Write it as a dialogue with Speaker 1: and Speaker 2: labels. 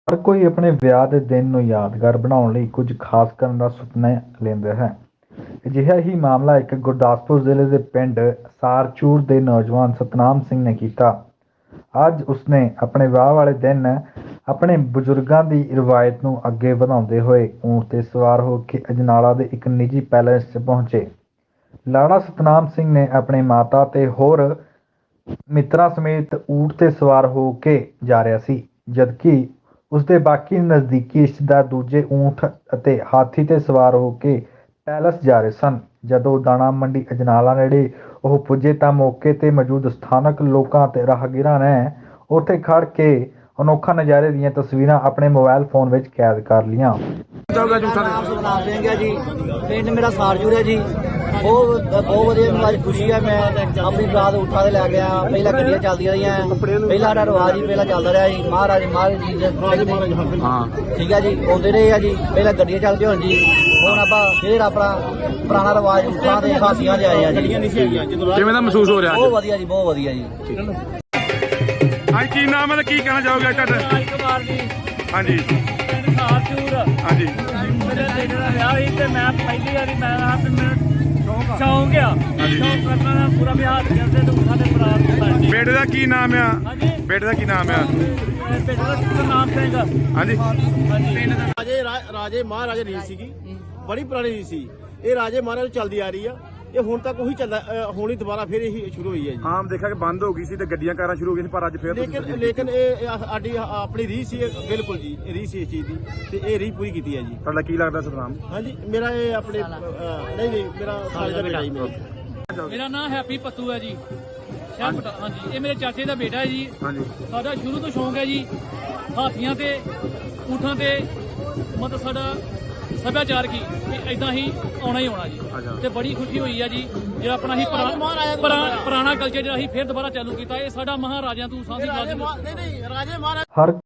Speaker 1: ਹਰ ਕੋਈ ਆਪਣੇ ਵਿਆਹ ਦੇ ਦਿਨ ਨੂੰ ਯਾਦਗਾਰ ਬਣਾਉਣ ਲਈ ਕੁਝ ਖਾਸ ਕਰਨ ਦਾ ਸੁਪਨਾ ਲੈਂਦਾ ਹੈ। ਅਜਿਹਾ ਹੀ ਮਾਮਲਾ ਇੱਕ ਗੁਰਦਾਸਪੁਰ ਜ਼ਿਲ੍ਹੇ ਦੇ ਪਿੰਡ ਸਾਰਚੂਰ ਦੇ ਨੌਜਵਾਨ ਸਤਨਾਮ ਸਿੰਘ ਨੇ ਕੀਤਾ। ਅੱਜ ਉਸਨੇ ਆਪਣੇ ਵਿਆਹ ਵਾਲੇ ਦਿਨ ਆਪਣੇ ਬਜ਼ੁਰਗਾਂ ਦੀ ਰਵਾਇਤ ਨੂੰ ਅੱਗੇ ਵਧਾਉਂਦੇ ਹੋਏ ਊਂਠ 'ਤੇ ਸਵਾਰ ਹੋ ਕੇ ਅਜਨਾਲਾ ਦੇ ਇੱਕ ਨਿੱਜੀ ਪੈਲੇਸ 'ਚ ਪਹੁੰਚੇ। ਲਾੜਾ ਸਤਨਾਮ ਸਿੰਘ ਨੇ ਆਪਣੇ ਮਾਤਾ ਤੇ ਹੋਰ ਮਿੱਤਰਾਂ ਸਮੇਤ ਊਂਠ 'ਤੇ ਸਵਾਰ ਹੋ ਕੇ ਜਾ ਰਿਹਾ ਸੀ, ਜਦਕਿ ਉਸਦੇ ਬਾਕੀ ਨਜ਼ਦੀਕੀ ਰਿਸ਼ਤੇਦਾਰ ਦੂਜੇ ਊਂਠ ਅਤੇ ਹਾਥੀ 'ਤੇ ਸਵਾਰ ਹੋ ਕੇ ਪੈਲੇਸ ਜਾ ਰਹੇ ਸਨ। ਜਦੋਂ ਦਾਣਾ ਮੰਡੀ ਅਜਨਾਲਾ ਨੇੜੇ ਉਹ ਪੁੱਜੇ ਤਾਂ ਮੌਕੇ 'ਤੇ ਮੌਜੂਦ ਸਥਾਨਕ ਲੋਕਾਂ ਅਤੇ ਰਾਹਗੀਰਾਂ ਨੇ ਉੱਥੇ ਖੜ੍ਹ ਕੇ ਅਨੋਖਾ ਨਜ਼ਾਰੇ ਦੀਆਂ ਤਸਵੀਰਾਂ ਆਪਣੇ ਮੋਬਾਈਲ ਫੋਨ ਵਿੱਚ ਕੈਦ ਕਰ ਲਈਆਂ।
Speaker 2: ਨਾਮ ਸਤਨਾਮ ਸਿੰਘ ਹੈ ਜੀ। ਪਿੰਡ ਮੇਰਾ ਸਾਰਜੂਰ ਹੈ ਜੀ। ਬਹੁਤ ਵਧੀਆ ਮੈਨੂੰ ਅੱਜ ਖੁਸ਼ੀ ਹੈ। ਮੈਂ ਆਪਣੀ ਬਰਾਤ ਊਠਾਂ ਤੇ ਲੈ ਗਿਆ। ਪਹਿਲਾਂ ਗੱਡੀਆਂ ਚੱਲਦੀਆਂ ਰਹੀਆਂ, ਪਹਿਲਾਂ ਸਾਡਾ ਰਿਵਾਜ ਹੀ ਪਹਿਲਾਂ ਚੱਲਦਾ ਰਿਹਾ ਜੀ। ਮਹਾਰਾਜ ਜੀ ਠੀਕ ਹੈ ਜੀ, ਆਉਂਦੇ ਰਹੇ ਆ ਜੀ। ਪਹਿਲਾਂ ਗੱਡੀਆਂ ਚੱਲਦੀਆਂ ਹੁਣ ਜੀ, ਹੁਣ ਆਪਾਂ ਫੇਰ ਆਪਣਾ ਪੁਰਾਣਾ ਰਿਵਾਜ ਊਠਾਂ ਦੇ ਹਾਥੀਆਂ ਤੇ ਆਏ ਆ ਜੀ।
Speaker 3: ਕਿਵੇਂ ਦਾ ਮਹਿਸੂਸ ਹੋ ਰਿਹਾ?
Speaker 2: ਬਹੁਤ ਵਧੀਆ ਜੀ, ਬਹੁਤ ਵਧੀਆ ਜੀ।
Speaker 3: ਹਾਂਜੀ, ਕੀ ਨਾਮ ਹੈ ਤੇ ਕੀ ਕਹਿਣਾ ਚਾਹੋਗੇ ਤੁਹਾਡਾ?
Speaker 4: ਰਾਜਕੁਮਾਰ ਜੀ,
Speaker 3: ਹਾਂਜੀ
Speaker 4: ਸਾਰਚੂਰ।
Speaker 3: ਹਾਂਜੀ
Speaker 4: ਮੇਰੇ ਬੇਟੇ ਦਾ ਵਿਆਹ ਸੀ ਤੇ ਮੈਂ ਪਹਿਲੀ ਵਾਰੀ ਮੈਂ ਸ਼ੌਂਕ ਆ ਸ਼ੌਂਕ ਕਰਨਾ ਦਾ ਪੂਰਾ ਵਿਆਹ ਕਰਦੇ ਤੇ ਉਠਾ ਦੇ ਬਰਾਤ ਹੁੰਦਾ ਜੀ।
Speaker 3: ਬੇਟੇ ਦਾ ਕੀ ਨਾਮ ਆ?
Speaker 4: ਹਾਂਜੀ,
Speaker 3: ਬੇਟੇ ਦਾ ਕੀ ਨਾਮ ਆ?
Speaker 4: ਬੇਟੇ ਦਾ ਸਤਨਾਮ ਸਿੰਘ।
Speaker 3: ਹਾਂਜੀ
Speaker 5: ਰਾਜੇ ਮਹਾਰਾਜਾ ਰੀਤ ਸੀਗੀ, ਬੜੀ ਪੁਰਾਣੀ ਰੀਤ ਸੀ। ਇਹ ਰਾਜੇ ਮਹਾਰਾਜ ਚੱਲਦੀ ਆ ਰਹੀ ਆ। ਇਹ ਹੁਣ ਤੱਕ ਉਹੀ ਚੱਲਦਾ, ਹੁਣ ਹੀ ਦੁਬਾਰਾ ਫਿਰ ਇਹੀ ਸ਼ੁਰੂ ਹੋਈ ਹੈ ਜੀ।
Speaker 3: ਆਮ ਦੇਖਿਆ ਕਿ ਬੰਦ ਹੋ ਗਈ ਸੀ ਤੇ ਗੱਡੀਆਂ ਕਾਰਾਂ ਸ਼ੁਰੂ ਹੋ ਗਈਆਂ ਸੀ, ਪਰ ਅੱਜ ਫਿਰ
Speaker 5: ਲੇਕਿਨ ਇਹ ਸਾਡੀ ਆਪਣੀ ਰੀਤ ਸੀ, ਬਿਲਕੁਲ ਜੀ ਰੀਤ ਸੀ ਇਸ ਚੀਜ਼ ਦੀ, ਤੇ ਇਹ ਰੀਤ ਪੂਰੀ ਕੀਤੀ ਹੈ ਜੀ।
Speaker 3: ਤੁਹਾਡਾ ਕੀ ਲੱਗਦਾ ਸਤਨਾਮ?
Speaker 5: ਹਾਂਜੀ, ਮੇਰਾ ਇਹ ਆਪਣੇ ਨਹੀਂ ਮੇਰਾ ਸਾਲੇ ਦਾ ਬੇਟਾ ਜੀ।
Speaker 4: ਮੇਰਾ ਨਾਮ ਹੈਪੀ ਪੱਤੂ ਹੈ ਜੀ। ਹਾਂਜੀ, ਇਹ ਮੇਰੇ ਚਾਚੇ ਦਾ ਬੇਟਾ ਹੈ ਜੀ।
Speaker 3: ਹਾਂਜੀ
Speaker 4: ਸਾਡਾ ਸ਼ੁਰੂ ਤੋਂ ਸ਼ੌਂਕ ਹੈ ਜੀ ਹਾਥੀਆਂ ਤੇ ਊਠਾਂ ਤੇ, ਮਤਲਬ ਸਾਡਾ ਸੱਭਿਆਚਾਰ ਕੀ ਏਦਾਂ ਹੀ ਆਉਣਾ ਹੀ ਆਉਣਾ ਜੀ। ਤੇ ਬੜੀ ਖੁਸ਼ੀ ਹੋਈ ਆ ਜੀ ਜਿਹੜਾ ਆਪਣਾ ਹੀ ਪੁਰਾਣਾ ਕਲਚਰ ਜਿਹੜਾ ਅਸੀਂ ਫਿਰ ਦੁਬਾਰਾ ਚਾਲੂ ਕੀਤਾ। ਇਹ ਸਾਡਾ ਮਹਾਰਾਜਿਆਂ ਤੋਂ ਸਾਂਝੀ ਗੱਲ
Speaker 5: ਨਹੀਂ ਰਾਜੇ ਮਹਾਰਾਜ
Speaker 1: ਹਰ